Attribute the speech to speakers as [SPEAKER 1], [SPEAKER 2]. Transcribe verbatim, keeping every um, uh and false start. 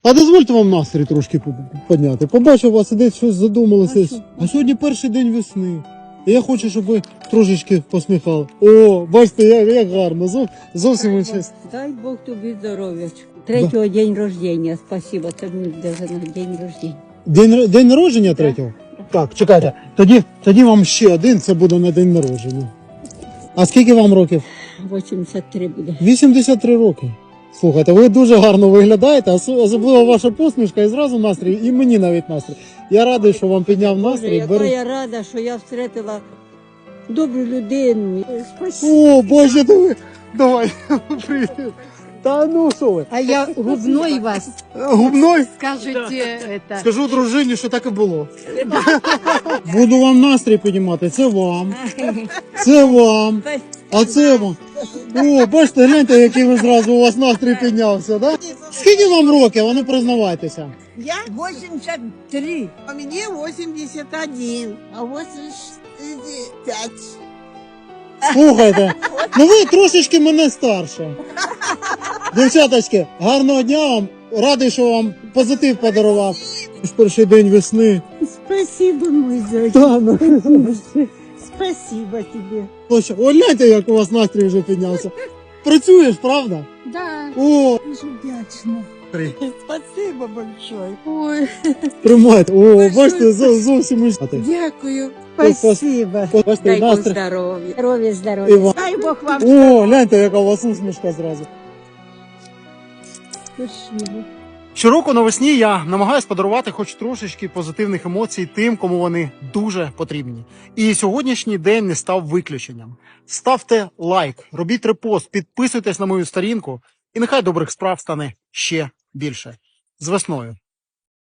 [SPEAKER 1] А дозвольте вам настрій трошки підняти. Побачив вас, десь щось задумалося. А, а сьогодні перший день весни. І я хочу, щоб ви трошечки посміхали. О, бачите, як, як гарно. Зов, зовсім інше.
[SPEAKER 2] Дай Бог тобі здоров'ячку. Третього да. День рождения. Спасибо, це мені даже на день рождения.
[SPEAKER 1] День, день народження третього? Да. Так, чекайте. Тоді, тоді вам ще один, це буде на день народження. А скільки вам років?
[SPEAKER 2] вісімдесят три буде.
[SPEAKER 1] вісімдесят три роки. Слухайте, ви дуже гарно виглядаєте, особливо ваша посмішка і зразу настрій, і мені навіть настрій. Я радий, що вам підняв настрій.
[SPEAKER 2] Боже, яка
[SPEAKER 1] Бер...
[SPEAKER 2] я рада, що я встретила добру людину. Спасибо.
[SPEAKER 1] О, Боже, диви. Давай, привіт. Та ну що ви?
[SPEAKER 3] А я губной вас.
[SPEAKER 1] Губной?
[SPEAKER 3] Скажите это.
[SPEAKER 1] Скажу дружині, що так і було. Буду вам настрій піднімати, це вам. Це вам. А це вам. О, бачите, гляньте, який ви зразу, у вас настрій піднявся, да? Скільки вам років? А ну признавайтеся.
[SPEAKER 4] Я восемьдесят три, а мне восемьдесят один, а восемьдесят пять.
[SPEAKER 1] Слухайте, ну ви трошечки мене старше. Дівчаточки, гарного дня вам. Радий, що вам позитив подарував. Перший день весни.
[SPEAKER 4] Спасибо, мой зайчик.
[SPEAKER 1] Та, ну.
[SPEAKER 4] Спасибо тебе.
[SPEAKER 1] О, гляньте, як у вас настрій вже піднявся. Працюєш, правда?
[SPEAKER 4] Да,
[SPEAKER 1] О,
[SPEAKER 4] дуже вдячна. Спасибо большое.
[SPEAKER 3] Ой,
[SPEAKER 1] тримайте. О, бачите, зовсім інше.
[SPEAKER 4] Дякую.
[SPEAKER 1] Спасибо.
[SPEAKER 4] Спасибо.
[SPEAKER 1] Бачите,
[SPEAKER 2] Дай Бог
[SPEAKER 1] настрій.
[SPEAKER 2] здоров'я. Здоров'я,
[SPEAKER 1] І
[SPEAKER 2] здоров'я.
[SPEAKER 1] вам.
[SPEAKER 4] Дай Бог вам
[SPEAKER 1] О, гляньте, яка у вас усмішка зразу.
[SPEAKER 4] спасибо.
[SPEAKER 1] Щороку навесні я намагаюсь подарувати хоч трошечки позитивних емоцій тим, кому вони дуже потрібні. І сьогоднішній день не став виключенням. Ставте лайк, робіть репост, підписуйтесь на мою сторінку, і нехай добрих справ стане ще більше. З весною!